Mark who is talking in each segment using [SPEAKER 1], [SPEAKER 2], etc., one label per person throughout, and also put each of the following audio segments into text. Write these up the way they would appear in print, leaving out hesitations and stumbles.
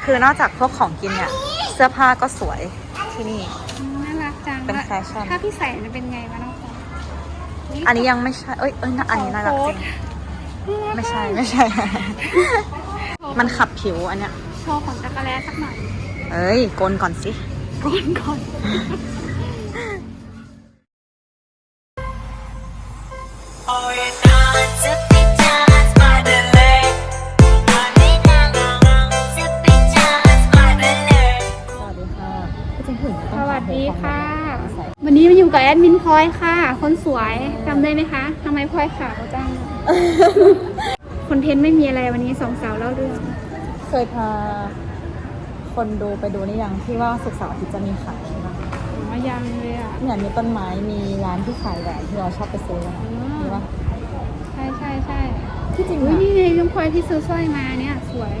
[SPEAKER 1] คือนอกจากพวกของกินเนี่ยเสื้อผ้าก็สวยที่นี่
[SPEAKER 2] น่ารักจัง
[SPEAKER 1] เป็นแฟชั่น
[SPEAKER 2] ถ้าพี่ใส่จะเป็นไงวะน้องพลอย
[SPEAKER 1] อันนี้ยังไม่ใช่เอ้ยอันนี้น่ารักจริงไม่ใช่ มันขับผิวอันเนี้ย
[SPEAKER 2] โชว์ขนจักรแล้สักหน่อย
[SPEAKER 1] เอ้ยโกนก่อนสิ
[SPEAKER 2] โกนก่อนสวัสดีค่ะวันนี้มาอยู่กับแอดมินพลอยค่ะคนสวยจำได้ไหมคะทำไมพลอยขาวจังคอนเทนต์ไม่มีอะไรวันนี้สองสาวเล่าเรื่อง
[SPEAKER 1] เคยพาคนดูไปดูนี่ยังที่ว่าศุกร์เสาร์อาทิตย์จะมีขายใช่ไหม
[SPEAKER 2] ยังเลยอ่ะ
[SPEAKER 1] เนี่ยมีต้นไม้มีร้านที่ขายแหวนที่เราชอบไปซื้อกันนี่ว่า
[SPEAKER 2] ใช่
[SPEAKER 1] ที่จริง
[SPEAKER 2] นี่ไงน้องพลอยที่ซื้อสร้อยมาเนี่ยสวย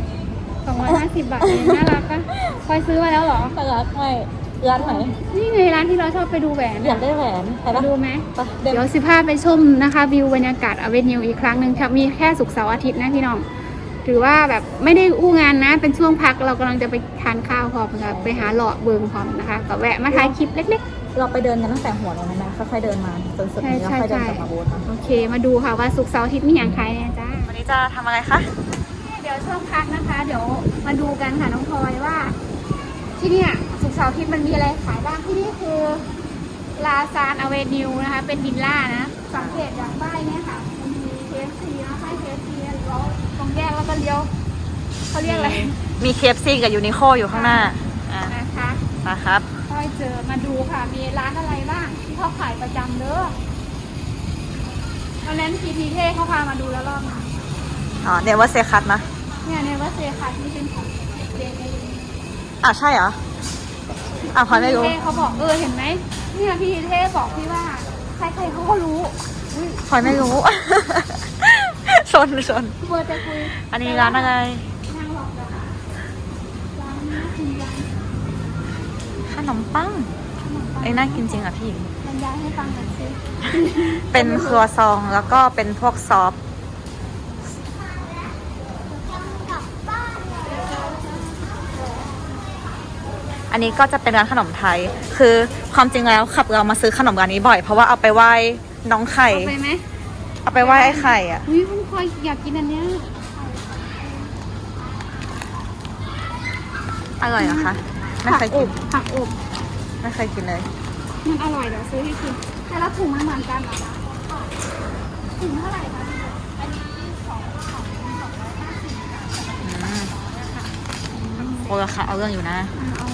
[SPEAKER 2] 250 บาทเองน่ารักปะพลอยซื้อมาแล้วเหรอ
[SPEAKER 1] น่ารักใช่ร้านไหน
[SPEAKER 2] นี่ไงร้านที่เราชอบไปดูแหวน
[SPEAKER 1] อยากได้แหวน
[SPEAKER 2] ไปดูไหมเดี๋ยว15ไปชมนะคะวิวบรรยากาศอเวนิวอีกครั้งหนึ่งครับมีแค่ศุกร์เสาร์อาทิตย์นะพี่น้องถือว่าแบบไม่ได้อู้งานนะเป็นช่วงพักเรากำลังจะไปทานข้าวพร้อมค่ะไปหาหล่อเบิงพร้อมนะคะก็แวะมาถ่ายคลิปเล็ก
[SPEAKER 1] ๆเราไปเดินกันตั้งแต่หัวเลยนะค่อยๆเดินมาจนสุดนี้แล้วค่อยเดินกลับมาบูธ
[SPEAKER 2] โอเคมาดูค่ะว่าศุกร์เสาร์อาทิตย์มีอย่างใครเนี่ยจ้า
[SPEAKER 1] วันนี้จะทำอะไรคะ
[SPEAKER 2] เดี๋ยวช่วงพักนะคะเดี๋ยวมาดูกันค่ะน้องพลอยว่าที่นี่ศุกร์เสาร์อาทิตย์มันมีอะไรขายบ้างที่นี่คือลาซานอเวนิวนะคะเป็นวิลล่านะสังเกตจากป้ายเนี่ยค่ะมันมี KFC นะป้าย KFC แล้วตรงแยกแล้วก็เลี้ยวเขาเรียกอะไร
[SPEAKER 1] มี KFC กับยูนิโคอยู่ข้างหน้า
[SPEAKER 2] นะคะ
[SPEAKER 1] นะครับ
[SPEAKER 2] ค่อยเจอมาดูค่ะมีร้านอะไรบ้างที่เขาขายประจำเด้อตอนนั้นพีเท่เขาพามาดูแล้วรอบนึง
[SPEAKER 1] เนว่าเซคัสนะ
[SPEAKER 2] เนี่ยว่าเซคัสที่เป็นของเด็ก
[SPEAKER 1] ใช่เหรอพลอยไม่รู้
[SPEAKER 2] เขาบอกเห็นไหมเนี่ยพี่เท่บอกพี่ว่าใครๆเขาก็รู้
[SPEAKER 1] พลอยไม่รู้ชน
[SPEAKER 2] เบอร์จะคุย
[SPEAKER 1] อันนี้ร้านอะไร
[SPEAKER 2] นั่งหลอกเลยร้านน่ากินจัง
[SPEAKER 1] ขนมปังน่ากินจริงอ่ะพี่
[SPEAKER 2] บรรยายให้ฟังหน่อยสิ
[SPEAKER 1] เป็นครัวซองแล้วก็เป็นพวกซอฟอันนี้ก็จะเป็นร้านขนมไทยคือความจริงแล้วขับเรามาซื้อขนมร้านนี้บ่อยเพราะว่าเอาไปไหว้น้องไข่
[SPEAKER 2] เอาไปไหม
[SPEAKER 1] เอาไปไหว้ไอ้ไข่อ่ะ
[SPEAKER 2] คุณพลอยอยากกินอันเนี้ย
[SPEAKER 1] อร่อยเหรอคะไม่เคยกิน
[SPEAKER 2] ผักอบ
[SPEAKER 1] ไม่เคยกินเลย
[SPEAKER 2] มันอร่อยเดี๋ยวซื้อให้กินแต่ละถุงมันเหมือนกันเหรอถุงเท่าไหร่คะอันนี้250
[SPEAKER 1] โอ้ราคาเอาเรื่องอยู่นะ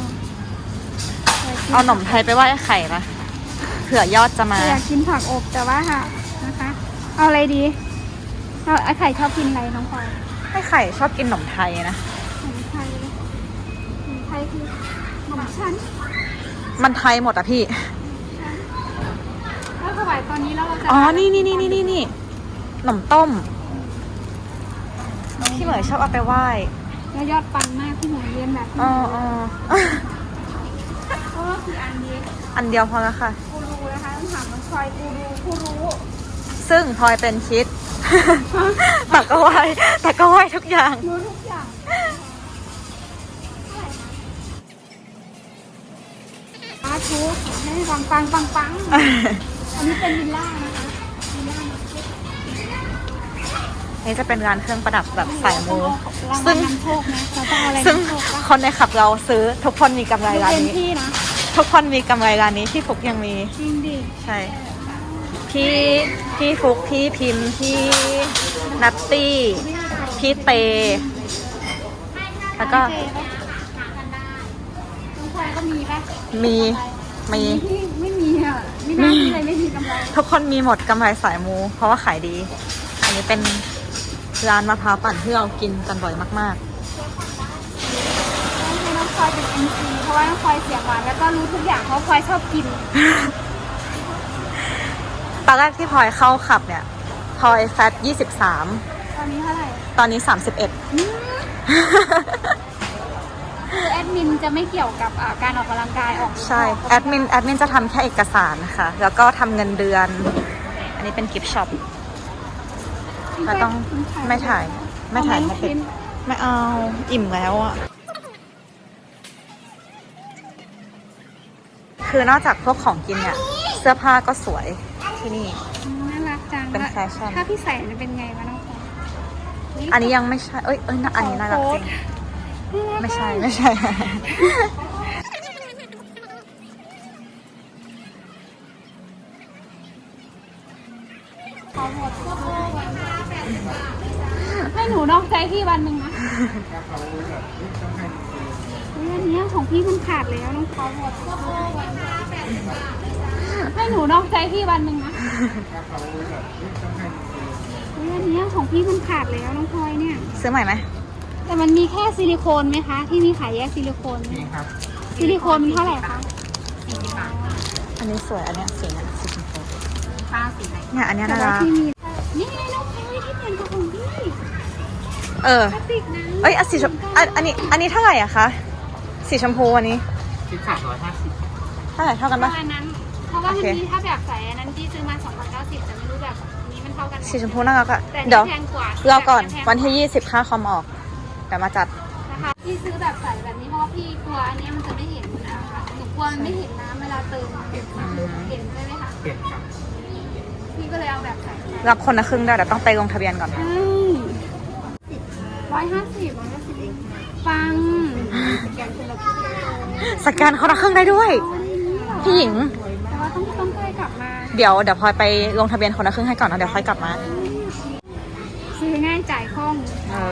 [SPEAKER 1] เอาขนมไทยไปไหว้ไข่ปะเผื่อยอดจะมา
[SPEAKER 2] อยากกินผักอบแต่ว่าค่ะนะคะเอาอะไรดีไอ้ไข่ชอบกินอะไรน้องพลอย
[SPEAKER 1] ไอ้ไข่ชอบกินขนมไทยนะ
[SPEAKER 2] ขนมไทยคือขนมชั้น
[SPEAKER 1] มันไทยหมดอ่ะพี่
[SPEAKER 2] แล้วถวายตอนนี้แล้วเราจะ
[SPEAKER 1] นี่ขนมต้มพี่เหมยชอบเอาไปไหว้
[SPEAKER 2] แล้วยอดปังมากพี่เหมยเรียนแบบก็คือ
[SPEAKER 1] อันเดียวพอแล้วค่ะ
[SPEAKER 2] กูรู้นะคะต้องถามมันพลอยกูรู้
[SPEAKER 1] ซึ่งพลอยเป็นคิดแต่ก็ไหวทุกอย่าง
[SPEAKER 2] รู้ทุกอย่างทุกให้ปังอันนี้เป็นวิลล่านะคะวิลล่า
[SPEAKER 1] นี่จะเป็นร้านเครื่องประดับแบบสายมู
[SPEAKER 2] ซึ่
[SPEAKER 1] งคนในขับเราซื้อทุกคนมีกำไรร้านนี้ทุกคนมีกำไรร้านนี้พี่ฟุกยังมี
[SPEAKER 2] จริงดิ
[SPEAKER 1] ใช่พี่ฟุกพี่พิมพ์พี่นัตตี้พี่เตแล้วก็มี
[SPEAKER 2] ไม่มีอ่ะไม่น่ามีอะไรไม่มีกำไร
[SPEAKER 1] ทุกคนมีหมดกำไรสายมูเพราะว่าขายดีอันนี้เป็นร้านมะพร้าวปั่นที่เรากินกันบ่อยมาก
[SPEAKER 2] ๆให้น้องพลอยเป็น MC เพราะว่าน้องพลอยเสียงหวานแล้วก็รู้ทุกอย่างเพราะพลอยชอบกิน
[SPEAKER 1] ตอนแรกที่พลอยเข้าขับเนี่ยพลอยแฟต23
[SPEAKER 2] ตอนนี้เท่าไหร่
[SPEAKER 1] ตอนนี้31
[SPEAKER 2] คือแอดมินจะไม่เกี่ยวกับการออกกำลังกาย
[SPEAKER 1] ใช่แอดมินจะทำแค่เอกสารนะคะแล้วก็ทำเงินเดือนอันนี้เป็นกิฟต์ช็อปเราต้องไม่ถ่ายไม่ติดไม่เอาอิ่มแล้วอ่ะคือนอกจากพวกของกินเนี่ยเสื้อผ้าก็สวยที่นี่
[SPEAKER 2] น่ารักจัง
[SPEAKER 1] เป็นแฟชั่น
[SPEAKER 2] ถ้าพี่ใส่จะเป็นไงวะน้องพลอย
[SPEAKER 1] อันนี้ยังไม่ใช่เอ้ยน่ะอันนี้น่ารักจริงไม่ใช่ไม่ใช่
[SPEAKER 2] ให้หนูนอกใจพี่วันหนึ่งนะอันนี้ของพี่มันขาดแล้วน้องพลอยให้หนูนอกใจพี่วันหนึ่งนะอันนี้ของพี่มันขาดแล้วน้องพลอยเนี่ย
[SPEAKER 1] ซื้อใหม่ไหม
[SPEAKER 2] แต่มันมีแค่ซิลิโคนไหมคะที่มีขายแยกซิลิโคนไหมซิลิโคนมันเท่าไหร่คะ
[SPEAKER 1] อันนี้สวยอันเนี้ยสีเนี่ยสีชมพู
[SPEAKER 2] ฟ้าสีไหน
[SPEAKER 1] เนี่ยอันเนี้ย
[SPEAKER 2] แต่
[SPEAKER 1] น่า
[SPEAKER 2] ว่า
[SPEAKER 1] รัก
[SPEAKER 2] ที่มีนี่ไงน้องพลอยที่เหมือนกับของพี่
[SPEAKER 1] เออ
[SPEAKER 2] พลาสติกนะ
[SPEAKER 1] เอ้ยสีชมอันนี้เท่าไหร่อะคะสีชมพูอันนี้
[SPEAKER 3] คิด350
[SPEAKER 1] เท่าไหร่เท่ากัน
[SPEAKER 2] เพ
[SPEAKER 1] ปะ
[SPEAKER 2] ราะอันนั้นเพราะว่ามัน
[SPEAKER 1] โอเค
[SPEAKER 2] มีถ้าแบบใส่อันนั้นที่ซื้อมา2,090แต่ไม่รู้แบบนี้มันเท่ากันไหม
[SPEAKER 1] สีชมพูน่ารักอะ
[SPEAKER 2] แต่
[SPEAKER 1] เดี๋ยว
[SPEAKER 2] นี่แพงกว่าร
[SPEAKER 1] อก่อน
[SPEAKER 2] แพง
[SPEAKER 1] วันที่ 20ค่าคอมออกแต่มาจัด
[SPEAKER 2] นะคะที่ซื้อแบบใส่แบบนี้เพราะว่าพี่กลัวอันนี้มันจะไม่เห็นนะคะหนูกลัวมันไม่เห็นน้ำเวลาเติมเห็นใช่ไหมคะ
[SPEAKER 3] เปลี่ยนครับ
[SPEAKER 2] พี่ก็เลยเอาแบบใส่
[SPEAKER 1] รับคนละครึ่งได้แต่ต้องไปลงทะเบียนก่อน
[SPEAKER 2] 150เองฟัง
[SPEAKER 1] สแกนคนละครึ่งได้ด้วยพี่หญิง
[SPEAKER 2] แต่ว่าต้องใกล้กลับมา
[SPEAKER 1] เดี๋ยวพลอยไปลงทะเบียนคนละครึ่งให้ก่อนนะเดี๋ยวค่อยกลับมา
[SPEAKER 2] ซื้อง่ายจ่ายคล่อง
[SPEAKER 1] เออ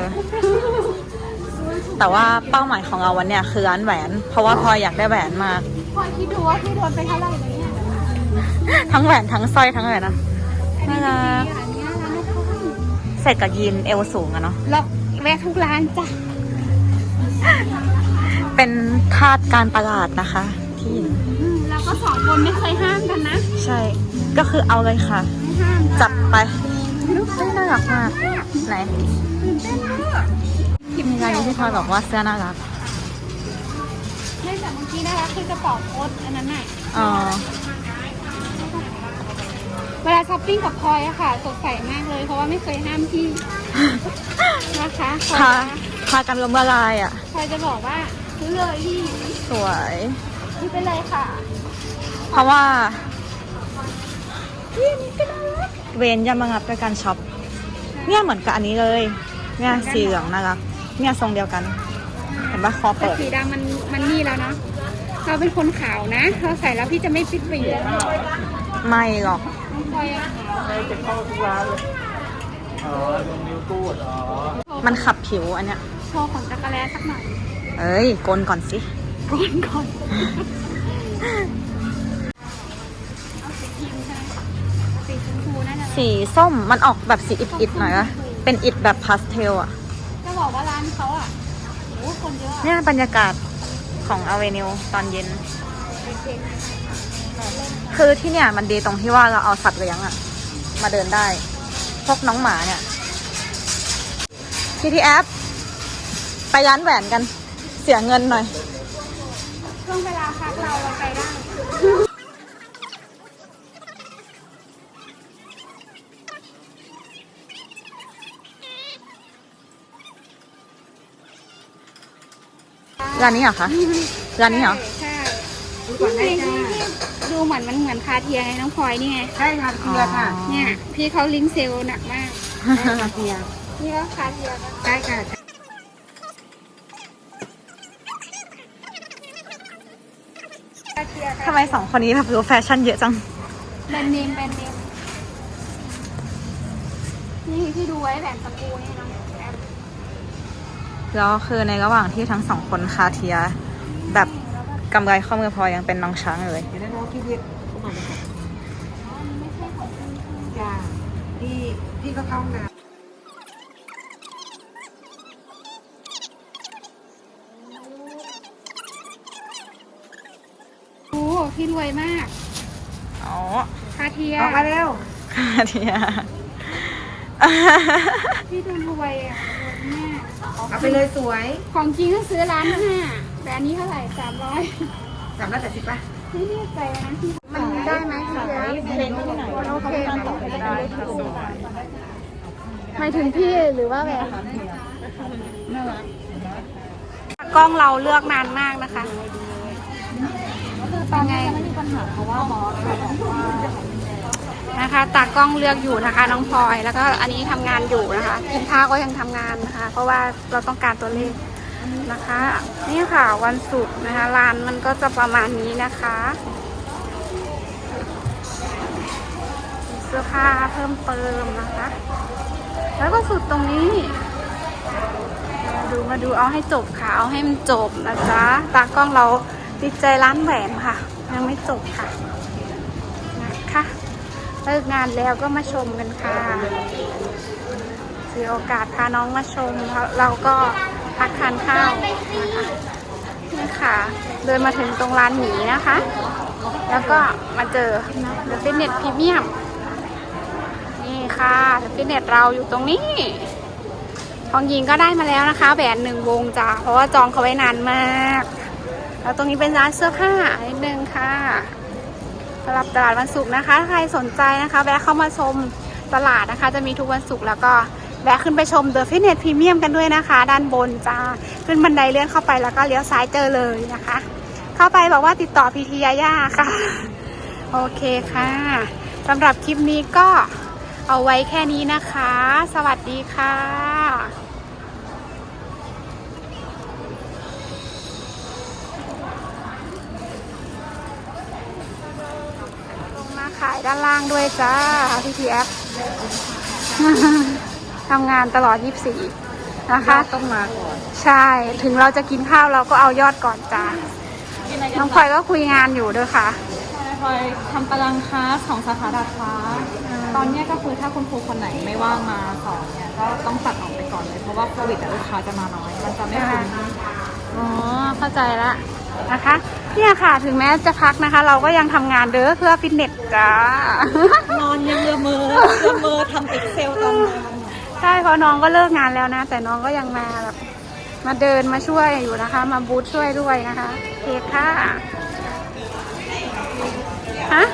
[SPEAKER 1] แต่ว่าเป้าหมายของเราวันเนี้ยคือร้านแหวน เพราะว่าพลอยอยากได้แหวนมาก
[SPEAKER 2] พอคิดดูว่าพี่โดนไปเท่าไหร่เลยเนี่ย
[SPEAKER 1] ทั้งแหวนทั้งสร้อยทั้งอะไรนะ
[SPEAKER 2] อัน
[SPEAKER 1] น่า
[SPEAKER 2] นี้
[SPEAKER 1] รัก
[SPEAKER 2] อันนี้ร้านไม่ค่อย
[SPEAKER 1] ใส่กับยีนเอวสูงอะเนาะ
[SPEAKER 2] เราแวะทุกร้านจ้ะ
[SPEAKER 1] เป็นทาสการตลาดนะคะพี่หญิง
[SPEAKER 2] เราก็2 คนไม่เคยห้ามกันนะ
[SPEAKER 1] ใช่ ก็คือเอาเลยค่ะ
[SPEAKER 2] ไม่ห้าม
[SPEAKER 1] จับไปน่ารักมากไหน
[SPEAKER 2] ตื่นเต้นมาก
[SPEAKER 1] มีร้านนี้ที่พลอยบอกว่าเสื้อน่ารัก
[SPEAKER 2] เนื่องจากเมื่อกี้นะคะคือกระเป๋าโค้ดอันนั้นน่ะ
[SPEAKER 1] อ๋อ
[SPEAKER 2] เวลาช้อปปิ้งกับพลอยอะค่ะสดใสมากเลย เพราะว่าไม่เคยห้ามพี่ นะคะพลอย
[SPEAKER 1] พากันล้มละลายอ่ะ
[SPEAKER 2] พลอยจะบอกว่าซื้อเลยพี่
[SPEAKER 1] สวย
[SPEAKER 2] ซื้อไปเลยค่ะ
[SPEAKER 1] เพราะว่า
[SPEAKER 2] พี่นี่ก็น่ารัก
[SPEAKER 1] เวนย่ามางับด้วยการช็อป เนี่ยเหมือนกับอันนี้เลย เนี่ยสีเหลืองน่ารัก เนี่ยทรงเดียวกัน เห็นปะคอ
[SPEAKER 2] แต่
[SPEAKER 1] เปิด
[SPEAKER 2] สีดำมันนี่แล้วเนาะเราเป็นคนขาวนะเราใส่แล้วพี่จะไม่ฟิตไปอยู่แล้ว
[SPEAKER 1] ไม่หรอก
[SPEAKER 2] น้องพลอยอะขาว
[SPEAKER 3] จะเข้าทุกร้านเลยอ๋อลงนิ้วกูดอ๋อ
[SPEAKER 1] มันขับผิวอันเนี้ย
[SPEAKER 2] โชว์ขนจักรแลสักหน่อย
[SPEAKER 1] เอ้ยโกนก่อนสิ
[SPEAKER 2] ก่อนเอาสีครีมใช่ไหมสีชมพูน่าจะ
[SPEAKER 1] สีส้มมันออกแบบสีอิดๆหน่อยนะเป็นอิดแบบพาสเทลอ่ะ
[SPEAKER 2] จะบอกว่าร้านเขาอ่ะโอ้คนเยอะ
[SPEAKER 1] เนี่ยบรรยากาศของอเวนิวตอนเย็น คือที่เนี่ยมันดีตรงที่ว่าเราเอาสัตว์เลี้ยงอะมาเดินได้ พวกน้องหมาเนี่ยที่แอปไปร้านแหวนกัน เสียเงินหน่อย
[SPEAKER 2] ช่วงเวลาพักเราไปได้
[SPEAKER 1] ร้านนี้เหรอคะ ร้านนี้เหรอ
[SPEAKER 2] ใช่ที่ดูเหมือนมันเหมือนคาเทียไงน้องพลอยนี่ไง
[SPEAKER 3] ใช่ค่ะเคลียร์ค่ะ
[SPEAKER 2] เนี่ยพี่เขาลิงก์เซลล์หนักมาก
[SPEAKER 3] เคลียร์
[SPEAKER 2] นี่ก็คาเทียปะ
[SPEAKER 3] ใช่ค่ะ
[SPEAKER 2] คาเทีย
[SPEAKER 1] ทำไมสองคนนี้แบบรู้แฟชั่นเยอะจัง
[SPEAKER 2] แบรนด์เนมนี่ที่ดูไว้แหวนตะปูนี่น้องแอป
[SPEAKER 1] แล้วคือในระหว่างที่ทั้งสองคนคาเทีย แบบกำไรข้อมือพลอยยังเป็นน้องช้างอยู่เลย
[SPEAKER 3] เดี๋ยวได้น้องคิดเรียกเข้ามาเลยค่ะ
[SPEAKER 2] อ๋อนี่ไม่ใช่ของจริง
[SPEAKER 3] จ้าพี่ก็เข้าห้องน้ำ
[SPEAKER 2] โอ้พี่รวยมาก
[SPEAKER 1] อ๋อ
[SPEAKER 2] คาเทีย
[SPEAKER 3] ออกมาเร็ว
[SPEAKER 1] คาเทีย
[SPEAKER 2] พี่ดูรวยอ่ะรวยมาก
[SPEAKER 3] เอาไปเลยสวย
[SPEAKER 2] ของจริงก็ซื้อร้านห้าแต่อันนี้เท่าไหร่300
[SPEAKER 3] 380ป่ะ
[SPEAKER 2] ไม่แน่ใจนะพี่มันได้ไหมพี่เดียวโอเคหมายถึงพี่หรือว่าแบบกล้องเราเลือกนานมากนะคะคือตอนนี้ไม่มีปัญหาเพราะว่าบอสบอกว่านะคะตากล้องเลือกอยู่นะคะน้องพลอยแล้วก็อันนี้ทำงานอยู่นะคะกินข้าวก็ยังทำงานนะคะ เพราะว่าเราต้องการตัวเลขนะคะนี่ค่ะวันศุกร์นะคะร้านมันก็จะประมาณนี้นะคะเสื้อผ้าเพิ่มเติมนะคะ แล้วก็สุดตรงนี้มาดูเอาให้จบค่ะเอาให้มันจบนะจ๊ะตากล้องเราติดใจร้านแหวนค่ะยังไม่จบค่ะนะคะเลิกงานแล้วก็มาชมกันค่ะถือโอกาสพาน้องมาชมเราก็พักทานข้าวนะคะนี่ค่ะเดินมาถึงตรงร้านหมีนะคะ แล้วก็มาเจอ The Fitness Premium นี่ค่ะ The Fitness เราอยู่ตรงนี้ของหญิงก็ได้มาแล้วนะคะแหวน1 วงจ้าเพราะว่าจองเขาไว้นานมากแล้วตรงนี้เป็นร้านเสื้อผ้านิดนึงค่ะสำหรับตลาดวันศุกร์นะคะถ้าใครสนใจนะคะแวะเข้ามาชมตลาดนะคะจะมีทุกวันศุกร์แล้วก็แวะขึ้นไปชม The Fitness Premium กันด้วยนะคะด้านบนจ้าขึ้นบันไดเลื่อนเข้าไปแล้วก็เลี้ยวซ้ายเจอเลยนะคะ เข้าไปบอกว่าติดต่อพีทียาย่าค่ะโอเคค่ะสำหรับคลิปนี้ก็เอาไว้แค่นี้นะคะ สวัสดีค่ะลงมาขายด้านล่างด้วยจ้าพีทีแอปทำงานตลอด24นะคะ
[SPEAKER 1] ต้องมาก่อน
[SPEAKER 2] ใช่ถึงเราจะกินข้าวเราก็เอายอดก่อนจ้าน้องพลอยก็คุยงานอยู่ด้วยค่ะ
[SPEAKER 1] พลอยทำตารางคลาสของสาขาดาดฟ้าตอนนี้ก็คือถ้าคุณครูคนไหนไม่ว่างมาสอนเนี่ยก็ต้องตัดออกไปก่อนเลยเพราะว่าโควิดลูกค้าจะมาน้อยมันจะไม่คุ้ม
[SPEAKER 2] อ๋อเข้าใจละนะคะเนี่ยค่ะถึงแม้จะพักนะคะ เราก็ยังทำงานเด้อเพื่อฟิตเนสจ้าน
[SPEAKER 1] อนยังละเมอทำ Excel ตอนนอน
[SPEAKER 2] ใช่เพราะน้องก็เลิกงานแล้วนะแต่น้องก็ยังมาแบบมาเดินมาช่วยอยู่นะคะ มาบูธช่วยด้วยนะคะโอเคค่ะฮะ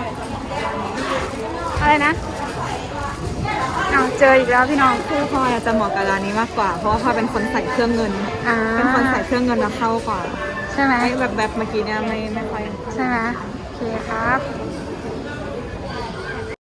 [SPEAKER 2] อะไรนะเอาเจออีกแล้วพี่น้อง
[SPEAKER 1] คือพลอยจะเหมาะกับร้านนี้มากกว่าเพราะว่าพลอยเป็นคนใส่เครื่องเงินเป็นคนใส่เครื่องเงินมาเข้ากว่า
[SPEAKER 2] ใช่ไหม
[SPEAKER 1] แบบเมื่อกี้เนี่ยไม่ค่อย
[SPEAKER 2] ใช่ไหมโอเคครับ